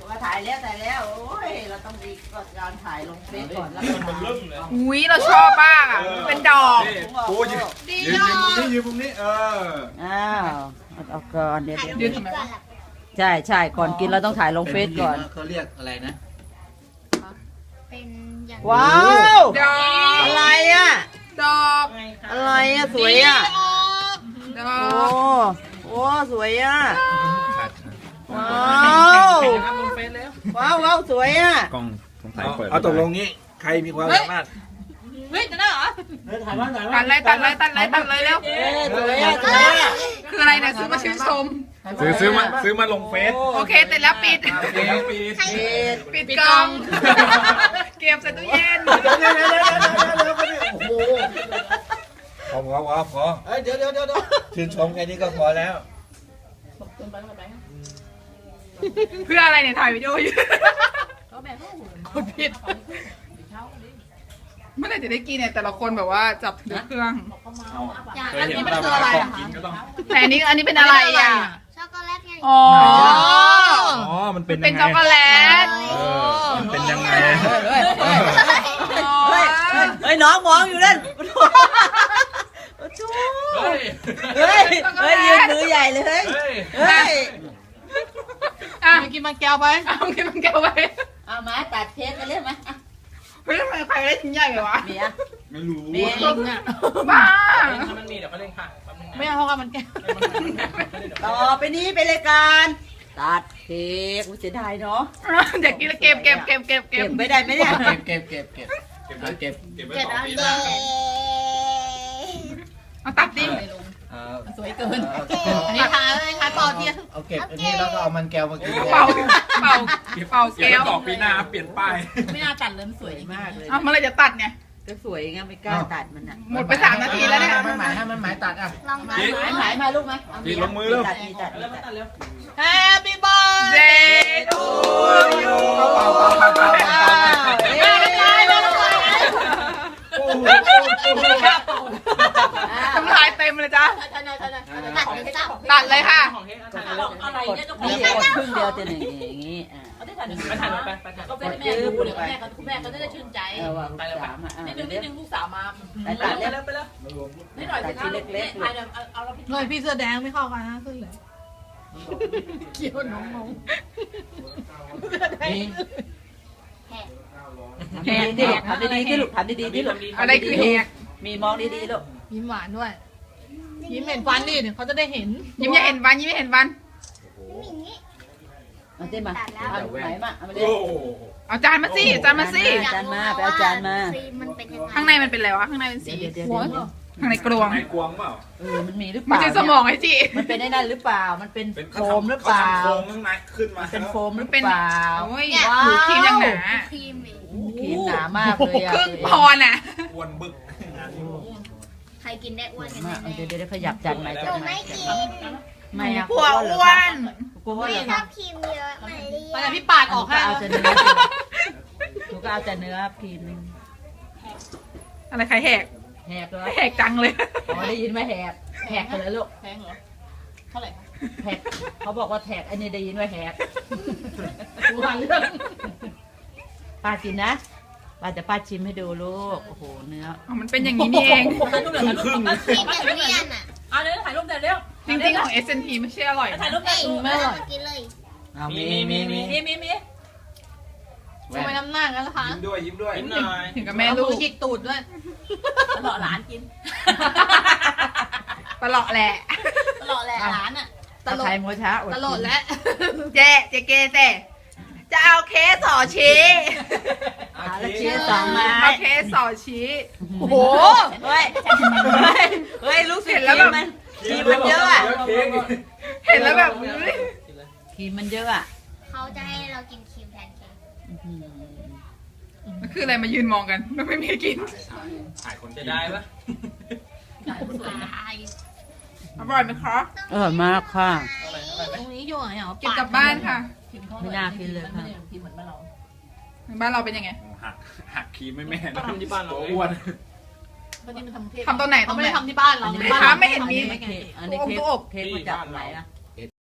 มาถ่ายแล้วโอ้ยเราต้องดีก่อนการถ่ายลงเฟซก่อนแล้วก็มาอุ้ยเราชอบมากอ่ะเป็นดอกโอ้ยยืนมุมนี้อ้าวเอาก่อนเดี๋ยวยืนทำไมวะใช่ก่อนกินเราต้องถ่ายลงเฟซก่อนเขาเรียกอะไรนะเป็นอย่างว้าวดอกอะไรอ่ะดอกอะไรอ่ะสวยอ่ะดอโอ้กโหสวยอ่ะว้าวลงเฟซแล้วว้าวสวยอ่ะกล้องสงสัยเปิดเอาตกลงนี้ใครมีความสามารถเฮ้ยจะได้เหรอถ่ายมาตัดเลยเร็วสวยอ่ะสวยอ่ะคืออะไรเนี่ยซื้อมาชื่นชมซื้อมาลงเฟซโอเคเสร็จแล้วปิด ปิดกล่อง เก็บใส่ตู้เย็นโอ้โหพอเดี๋ยวชื่นชมแค่นี้ก็พอแล้วเพื่ออะไรเนี่ยถ่ายวิดีโออยู่กดผิดเมื่อไหร่จะได้กินเนี่ยแต่ละคนแบบว่าจับถือเครื่องอย่างเคยอันเห็นนี้เวมันลาคืออะไรของอะกินก็ต้องแต่อันนี้เป็นอะไรอ่ะช็อกโกแลตไงอ๋ออ๋อมันเป็นเป็นยังไงช็อกโกแลตมันเป็นยังไงเฮ้ยน้องมองอยู่นั่นเฮ้ยยืนมือใหญ่เลยเฮ้ยอ่ะกินมันแก้วไปเอากินมันแก้วไปเอามาตัดเค้กกันเลยไหมเฮ้ยทำไมใครได้ชิ้นใหญ่เลยวะมีอ่ะไม่รู้มีบ้าถ้ามันมีเดี๋ยวเขาเร่งค่ะแป๊บนึงนะไม่เอาเพราะว่ามันแก้วต่อไปนี้เป็นรายการตัดเค้กเสียดายเนาะเด็กกินแล้วเก็บเก็บไม่ได้ไหมเนี่ยเก็บเก็บไว้เจ็ดต่ออันปีหเลน้ายเอาตัดดิสวยเกินอันนี้ทาเลยค่ะต่อเทียนเอาเก็บอันนี้แล้วก็เอามันแก้วมากินเป่าเป่าเดี๋ยวแก้วต่อปีหน้าเปลี่ยนป้ายไม่น่าตัดเลยสวยมากเลยเอาเมื่อไรจะตัดเนี่ยก็สวยไงไม่กล้าตัดมันอ่ะหมดไป3 นาทีแล้วเนี่ยมันหมายให้มันหมายตัดอ่ะลองมาหมายมาลูกไหมดีลงมือเร็วตัด Happy birthday to you ทำลายเต็มเลยจ้ะตัดเป็นสับตัดเลยค่ะของเฮ้ยอะไรเนี่ยจะนี่กดครึ่งเดียวจะอย่างนี้อ่ะไปถ่ายรถไปถ่ายก็เป็นแม่ดูเดี๋ยวแม่เขาจะได้ชื่นใจวางสามอ่ะนิดนึงลูกสาวมาตัดเล็บไปแล้วนิดหน่อยสิคะเล็กๆเอาเราพี่เลยพี่เสื้อแดงไม่เข้ากันนะขึ้นเลยเกี่ยวน้องนี่แหกดิทำดีๆที่ลูกทำดีๆที่ลูกอะไรคือแหกมีมองดีๆลูกยิ้มหวานด้วย ยิ้มเห็นฟันดิเดี๋ยวเขาจะได้เห็นยิ้มอย่าเห็นวันยิ้มไม่เห็นวันเอาเต้มาเอาไหนมาเอามาเลยเอาจานมาสิจานมาสิจานมาไปเอาจานมาครีมมันเป็นยังไงข้างในมันเป็นอะไรวะข้างในเป็นสีเดี๋ยวข้างในกลวงในกวงเปล่ามันมีหรือเปมันล่าจะสมองไอ้จีมันเป็นได้นั่นหรือเปล่ามันเป็นเป็นโฟมหรือเปล่าโฟมข้างในขึ้นมาเป็นโฟมหรือเป็นเปล่าโอ้ยว้าวครีมยังหนาครีมเองครีมหนามากเลยอ่ะครึ่งพอนอ่ะอ้วนบึกใครกินได้อ้วนกันมาแน่เดี๋ยวขยับจานใหม่หจานูนใหม่ไม่กินไม่อะผัวอ้วนกลัวว่าเหรอชอบครีมเยอะมาเรีไปยแต่พี่ปาดออกให้เอาแต่เนื้อหนูก็เอาแต่เนื้อครีมนึงอะไรใครแหกแหกเลยแหกจังเลยอ๋อได้ยินไหมแหกแหกเลยลูกแพงเหรอ เท่าไหร่คะแหกเขาบอกว่าแหกอันนี้ได้ยินว่าแหกรู้เรื่องป้ากินนะป้าจะป้าชิมให้ดูลูกโอ้โหเนื้ออ๋อมันเป็นอย่างนี้นี่เองครีมอย่างเนียนอ่ะเอาเดี๋ยวถ่ายรูปเดี๋ยวเร็วจริงๆของ S&P ไม่ใช่อร่อยถ่ายนะรูปได้ไม่อร่อยกินเลยเอามีมีทำไมน้ำหน้างั้นล่ะคะยิ้มด้วยยิ้มด้วยยิ้มหน่อยถึงกับแม่ลูกหยิกตูดด้วยตลอดหลานกินตลอดแหละตลอดแหละร้านอ่ะตลอดไทยโมช้าตลอดแล้วเจ๊เกเจ๊จะเอาเคสสอชี้แล้วเชียร์สองไม้เอาเคสสอชี้โอ้โหเฮ้ยเฮ้ยรู้สึกเห็นแล้วแบบมันครีมมันเยอะอะเค้กเห็นแล้วแบบอุ๊ยครีมมันเยอะอะเขาจะให้เรากินครีมแทนเค้กมันคืออะไรมายืนมองกันมันไม่มีกินถ่ายคนจะได้ปะอร่อยไหมคะมากค่ะตรงนี้อยู่ไหนเหรอเก็บกลับบ้านค่ะไม่น่ากินเลยค่ะบ้านเราเป็นยังไงหักครีมไม่แม่ทำที่บ้านเราตัวอ้วนวันนี้มันทำเทปทำตรงไหนตเขารงไม่ไหนได้ทำที่บ้านเราไม่เห็นมีอันนี้เค้กมาจากไหนอะ